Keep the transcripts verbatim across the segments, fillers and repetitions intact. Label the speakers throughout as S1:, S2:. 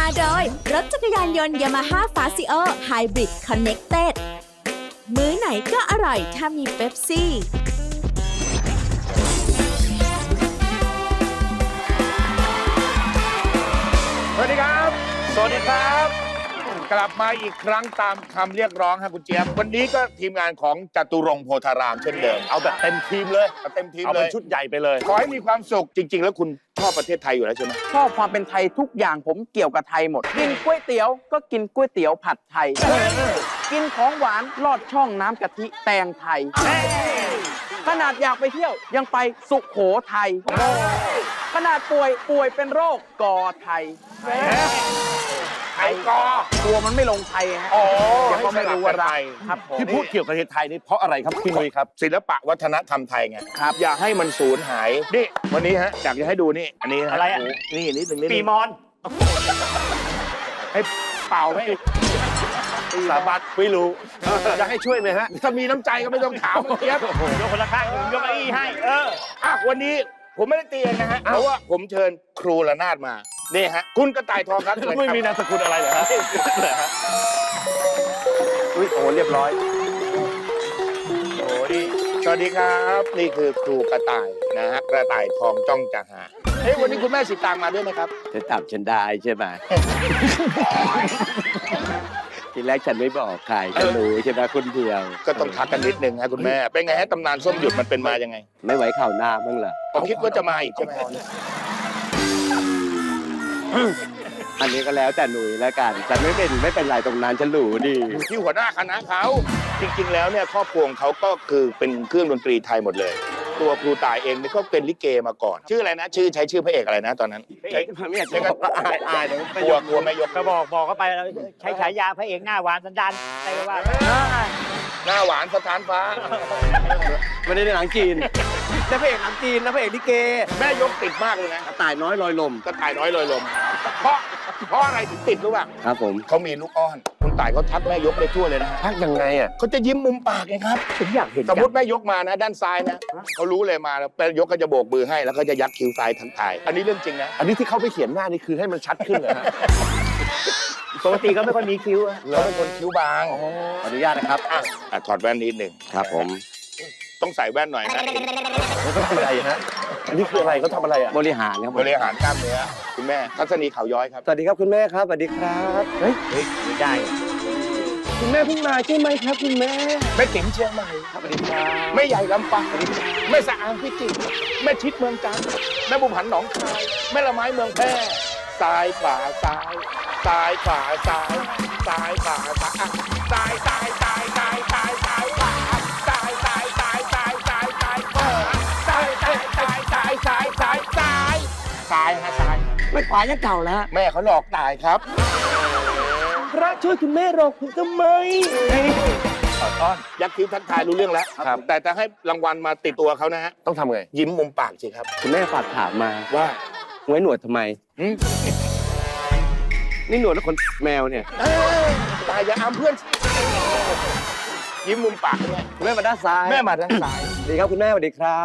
S1: โดยรถจักรยานยนต์ Yamaha Fazio Hybrid Connected มื้อไหนก็อร่อยถ้ามีเป๊ปซี่
S2: สวัสดีครับ สวัสดีครับ กลับมาอีกครั้งตามคำเรียกร้องครับคุณเจี๊ยบ วันนี้ก็ทีมงานของจตุรงค์โพธารามเช่นเดิม
S3: เอาแบบเต็มทีมเลย
S2: เอาเต็มทีม
S3: เอา
S2: เล
S3: เป็น
S2: ย
S3: ชุดใหญ่ไปเลย
S2: ขอให้มีความสุขจริง ๆ แล้วคุณชอบประเทศไทยอยู่แล้วใช่ไหม
S4: ชอบความเป็นไทยทุกอย่างผมเกี่ยวกับไทยหมด กินก๋วยเตี๋ยวก็กินก๋วยเตี๋ยวผัดไทย กินของหวานลอดช่องน้ำกะทิแตงไทย ขนาดอยากไปเที่ยวยังไปสุโขทัยขนาดป่วยป่วยเป็นโรคกอไทย
S2: ไทยกอ
S4: ตัวมันไม่ลงไทยฮะ
S2: อ๋อ
S4: เดี๋ยวก็ไม่รู้ว่าอะไร
S2: ครับ
S3: ที่พูดเกี่ยวกับประเทศไทยนี่เพราะอะไรครับพี่นุ้ยครับ
S2: ศิลปะวัฒนธรรมไทยไงครับ อย่าให้มันสูญหาย นี่ วันนี้ฮะอยากจะให้ดูนี่ อันนี้ฮ
S3: อะไรอ่ะ
S2: โนี่นิดหนึ่งนิดห
S3: ปี
S2: นึ่ง
S3: มอน
S2: ให้เป่าไหม
S3: สาบัดไม่รู้จะให้ช่วยไหมฮะ
S2: ถ้ามีน้ำใจก็ไม่ต้องถามคุณเจี๊ยบ
S3: ยกคนละข้างหนึ่งยกเก้าอี้ให้ เออ
S2: อ่ะวันนี้ผมไม่ได้เตียนนะฮะ เพราะว่าผมเชิญครูระนาดมา นี่ฮะ คุณกระต่ายทองครับเชิญครับ
S3: ไม่มีนามสกุลอะไรเหรอฮะเหรอฮะ
S4: อุ้ยโอ้เรียบร้อย
S2: โอ้นี่สวัสดีครับ นี่คือครูกระต่ายนะฮะ กระต่ายทองจ้องจะหาเฮ้ยวันนี้คุณแม่สีตางมาด้วยไหมครับ
S5: จะจับฉันได้ใช่ไหม ทีแรกฉันไม่บอกใครฉันรู้ใช่ไหมคนเดียว
S2: ก็ต้องทักกันนิดนึงฮะคุณแม่ เป็นไงฮะตำนานส้มหยุดมันเป็นมายังไง
S5: ไม่ไว้ข่าวหน้าบ้างเหรอ
S2: ผมคิดว่าจะมาอีกใช่ไหม
S5: อันนี้ก็แล้วแต่หนุ่ยแล้วกันฉันไม่เป็นไม่เป็นไรตรงนั้นฉันรู้ดี
S2: ที่หัวหน้าคณะเขาจริงๆแล้วเนี่ยครอบครัวของเขาก็คือเป็นเครื่องดนตรีไทยหมดเลย ตัวครูตายเองเนี่ยก็เป็นลิเกมาก่อน ชื่ออะไรนะ ชื่อใช้ชื่อพระเอกอะไรนะตอนนั้นใช้
S5: ไม่อยากจะบอกว่าอายอายเดี๋ยว
S2: กลัวกลัวแม่ยก
S3: ก็บอกบอกเขาไปแล้วใช้ฉายาพระเอกหน้าหวานสันดานอะไรก็ว่าไป
S2: หน้าหวานสถานฟ้า
S5: ไม่ได้ในหนังจีนแต่พระเอกหนังจีนนะพระเอกลิเก
S2: แม่ยกติดมากเลยนะ
S5: กระต่ายน้อยลอยลม
S2: กระต่ายน้อยลอยลม เพราะเพราะอะไรถึงติดรู้ป่ะ
S5: ครับผม
S2: เขามีลูกอ้อน คุณต่ายเขาทักแม่ยกได้ทั่วเลยนะ
S3: พักยังไงอ่ะ
S2: เขาจะยิ้มมุมปากไงครับ
S3: ผมอยากเห็น
S2: สมมติแม่ยกมานะ ด้านซ้ายนะเขารู้เลยมาแล้วแม่ยกก็จะโบกมือให้แล้วก็จะยักคิ้วซ้ายทันทายอันนี้เรื่องจริงนะ
S3: อันนี้ที่เขาไปเขียนหน้านี่คือให้มันชัดขึ้นเหรอฮะปกติก็ไม่ค่อยมีคิ้วอะ
S2: เขาเป็นคนคิ้วบาง
S5: ขออนุญาตนะครับ
S2: อ่ะอ่ะถอดแว่นนิดหนึ่ง
S5: ครับผม
S2: ต้องใส่แว่นหน่อยนะ
S3: เขาทำอะไรฮะอันนี้คืออะไรเขาทำอะไรอ่ะ
S5: บริหารครับผม
S2: บริหารกล้ามเนื้อคุณแม่ทัศนีเขาย้อยครับ
S5: สวัสดีครับคุณแม่ครับสวัสดีครับ
S3: เฮ้ยเฮ้ยไม่ได้
S5: คุณแม่เพิ่งมาใช่ไหมครับคุณแม่
S2: แม่ติ๋มเชียงใหม่
S5: ครับสวัสดีครับ
S2: แม่ใหญ่ลำปางแม่สะอางพิจิตรแม่ชิดเมืองจันทร์แม่บุมหันหนองคายแม่ละไม้เมืองแพร่ซ้ายขวาซ้ายซ้ายขวาซ้ายซ้ายขวาซ้ายอ่ะซ้ายซ้ายซ้ายซ้ายซ้ายซ้ายขวาซ้ายซ้ายซ้ายซ้ายซ้ายซ้ายขวาซ้ายซ้ายซ้ายซ้ายซ้ายซ้ายซ้ายซ้ายฮะซ้าย
S5: ไม่ขวายังเก่าแล้ว
S2: แม่เขาหลอกตายครับ
S5: พระช่วยคุณแม่หลอกผมทำไม
S2: ขอต้อนยักษ์คิ้วทักทายรู้เรื่องแล้ว
S3: ครับ
S2: แต่จะให้รางวัลมาติดตัวเขานะฮะ
S3: ต้องทำไง
S2: ยิ้มมุมปากสิครับ
S5: คุณแม่ฝากถามมา
S2: ว่า
S5: ไว้หนวดทำไม
S2: หืม
S5: นี่หนวดแล้วขนแมวเนี่ย
S2: เอ้ยตายอย่าอามเพื่อนสิยิ้มมุมปากแม่
S5: คุณแม่มาด้านซ้าย
S2: แม่มาด้านซ้าย
S5: สวัสดีครับคุณแม่สวัสดีครับ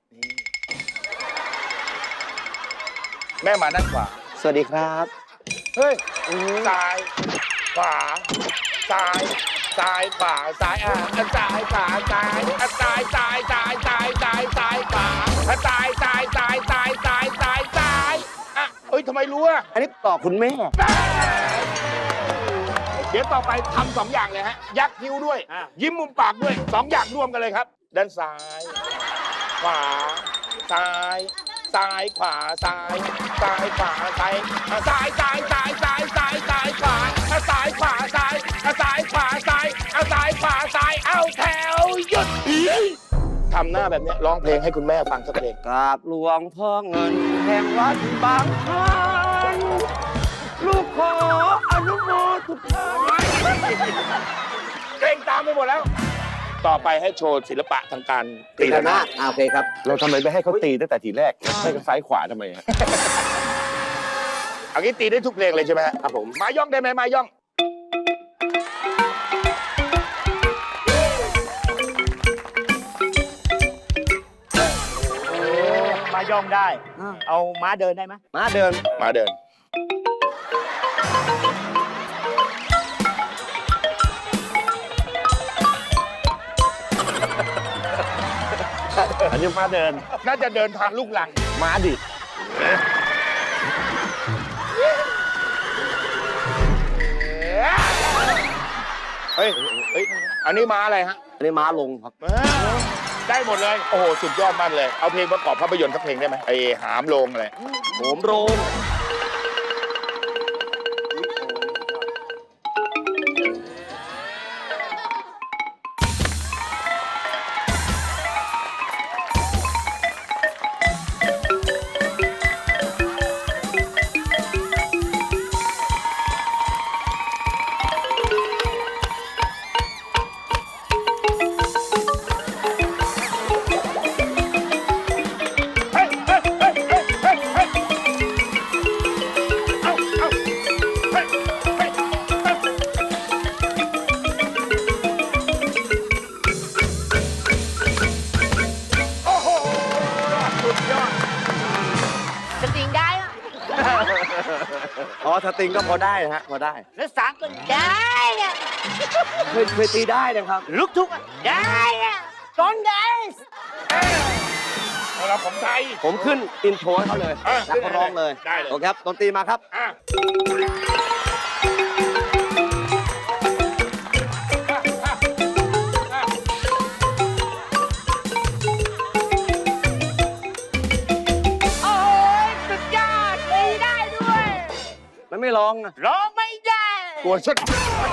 S2: แม่มาด้านขวา
S5: สวัสดีครับ
S2: เฮ้ยซ้าย ขวา ซ้าย ซ้าย ขวา ซ้ายอ่ะอ่ะซ้าย ขวา ซ้ายอ่ะซ้าย ซ้าย ซ้าย ซ้าย ซ้าย ซ้าย ขวาอ่ะซ้าย ซ้าย ซ้าย ซ้าย ซ้าย ซ้าย ซ้ายอ่ะเอ้ยทำไมรู้อ่ะ
S5: อันนี้ต่อคุณแม่
S2: เดี๋ยวต่อไปทำสองอย่างเลยฮะ ยักคิ้วด้วย ยิ้มมุมปากด้วยสองอย่างร่วมกันเลยครับ ด้านซ้าย ขวา ซ้าย ซ้าย ขวา ซ้าย ซ้าย ขวา ซ้ายอ่ะซ้าย ซ้าย ซ้าย ซ้าย ซ้าย ซ้าย ขวาอ่ะซ้าย ขวา ซ้ายอ่ะซ้าย ขวา ซ้ายอ่ะซ้าย ขวา ซ้าย เอาแถวหยุดทำหน้าแบบเนี้ยร้องเพลงให้คุณแม่ฟังสักเพลง
S5: กราบหลวงพ่อเงินแห่งวัดบางพานลูกขออนุโมทุกท่าน
S2: เกรงตามไปหมดแล้ว ต่อไปให้โชว์ศิลปะทางการตีระนาด
S5: โอเคครับ
S3: เราทำไมไม่ให้เขาตีตั้งแต่ทีแรกให้กันซ้ายขวาทำไมฮะ
S2: เอางี้ตีได้ทุกเพลงเลยใช่ไหมฮะครับผม มาย่องได้ไหมมาย่อง
S3: มาย่องได้ เอาม้าเดินได้ไหม
S5: มาเดิน
S2: มาเดิน
S3: อันนี้ม้าเดิน
S2: น่าจะเดินทางลูกหลัง
S3: ม้าดิด
S2: เฮ้ย เฮ้ย อันนี้ม้าอะไรฮะ
S3: อันนี้ม้าลงครับ
S2: ได้หมดเลย โอ้โห สุดยอดมากเลย เอาเพลงประกอบภาพยนตร์สักเพลงได้ไหมไอ้หามโลงอะไร
S3: โหมโรง
S2: เฮ้ยเฮ้ยเฮ้ยเฮ้ยเฮ้ยเฮ้ยเอาเอาเฮ้ยเฮ้ยเฮ้ยโอ้โห สุดยอด
S6: สติงได้อะ
S3: อ๋อสตริงก็พอได้นะฮะ พอได้
S6: แล้วสามก็ได้อะ
S3: เคยเคยตีได้นะครับ
S6: ลูกทุกอะได้อะตอนได้
S2: เอาละผมไทย
S3: ผมขึ้นอินโทรให้เขาเลย
S2: เออ
S3: แล้วก็ร้องเลย
S2: ได้เลย
S3: โอเคครับดนตรีมาครับ
S2: อ่ะอ่ะ
S6: โอ้ยสุดยอดตีได้ด้วย
S3: มันไม่ร้องอะ
S6: ร้องไม่ได้
S2: กลัวชุด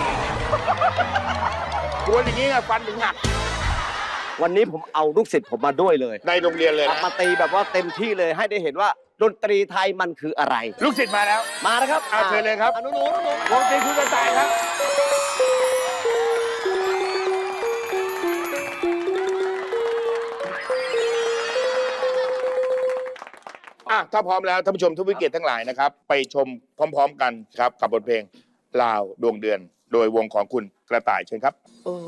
S2: กลัวอย่างนี้ไงฟันถึงหัก
S3: วันนี้ผมเอาลูกศิษย์ผมมาด้วยเลย
S2: ในโรงเรียนเลย
S3: ครับ
S2: นะ
S3: มาตีแบบว่าเต็มที่เลยให้ได้เห็นว่าดนตรีไทยมันคืออะไร
S2: ลูกศิษย์มาแล้ว
S3: มานะครับ
S2: อ่ะเชิญเลยครับ
S3: อนุโน้น
S2: วงตีคุณกระต่ายครับ อ่ะ ถ้าพร้อมแล้วท่านผู้ชมทุกวิเกตทั้งหลายนะครับ ไปชมพร้อม ๆ กันครับ กับบทเพลงลาวดวงเดือน โดยวงของคุณกระต่ายเชิญครับ
S3: โอ้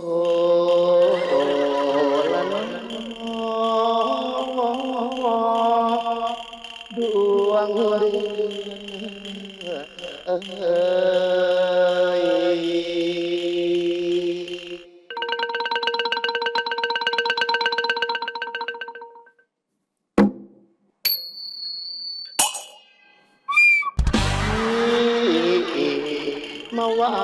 S3: ดวงเดือนเอ้ยมาว่า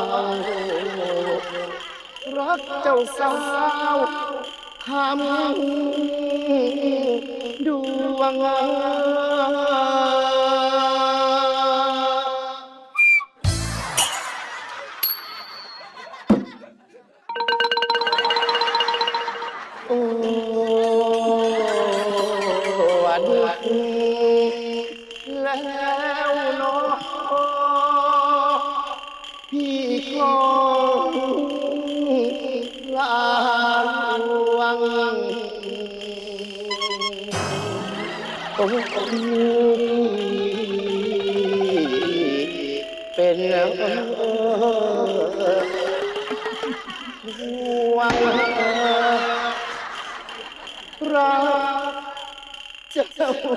S3: รักเจ้าสาวทำดวงโอ้วันแล้วเนาะพี่คงลาลวงโอ้เป็นห่วงรักเจ้า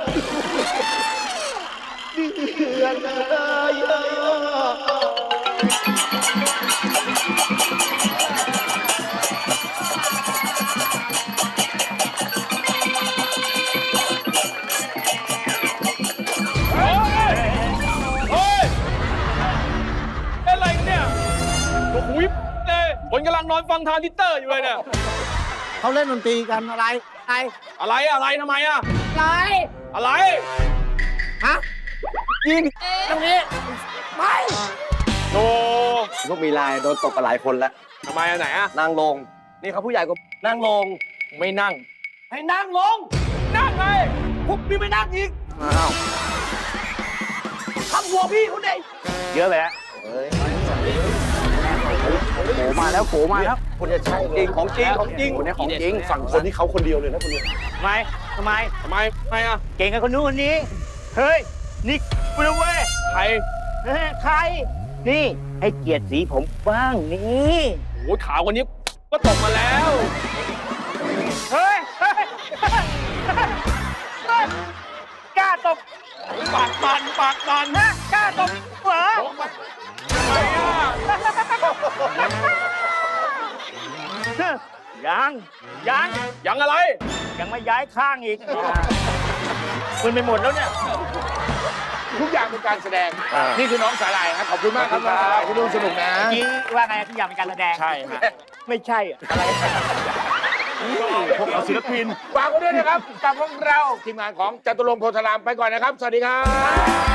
S3: เดือนเอ้ย
S7: เฮ้ยเป็นอะไรกันเนี่ยโอ้โหเลยคนกำลังนอนฟังทรานซิสเตอร์อยู่เลยเนี่ย
S5: เขาเล่นดนตรีกันอะไรอะไร
S7: อะไรอะไรทำไมอะ
S6: อะไร
S7: อะไร
S5: ฮะยิงตรงนี้ไม่
S7: โธ่
S3: พวกมีลายโดนตกกันหลายคนแล้ว
S7: ทำไมอันไหนอะ
S3: นั่งลง นี่เขาผู้ใหญ่ก็นั่งลง
S7: ไม่นั่ง
S5: ให้นั่งลง
S7: นั่งไง
S5: พวกพี่ไม่นั่งอีก
S3: อ้าว
S5: ทำหัวพี่เขาเด็ก
S3: เยอะไปแล้วโผมาแล้วโผมาแล้วคนจะใช่จริงของจริงของจริงคนนี้ของจริงฝั่งคนที่เขาคนเดียวเลยนะคนนี้
S5: ทำไมทำไม
S7: ทำไมทำไมอะ
S5: เก่งกับคนนู้นคนนี้ เฮ้ย นี่กูนะเว้ย
S7: ใคร
S5: เฮ้ยใคร นี่ให้เกียรติสีผมบ้างนี่
S7: โอ้ยขาวคนนี้ก็ตกมาแล้ว
S5: เฮ้ยเฮ้ยเฮ้ยกล้าตบ
S7: ปากบันปากบัน
S5: ฮะกล้าตบเหรอ
S7: ทำไมอะ
S5: ยังยัง
S7: ยังอะไร
S5: ยังไม่ย้ายข้างอีกมึนไปหมดแล้วเนี่ย
S2: ทุกอย่างเป็นการแสดง นี่คือน้องสาหร่ายครับขอบคุณมากครับน้องสาหร่ายที่ร่วมสนุกนะ
S5: เมื่อกี้ว่าไงทุกอย่างเป็นการแสดง
S7: ใช่ฮะ
S5: ไม่ใช่อะอะไร
S7: พวกเราศิลปิน
S2: ฝากไว้ด้วยนะครับ กับพวกเราทีมงานของจตุรงค์โพธารามไปก่อนนะครับ สวัสดีครับ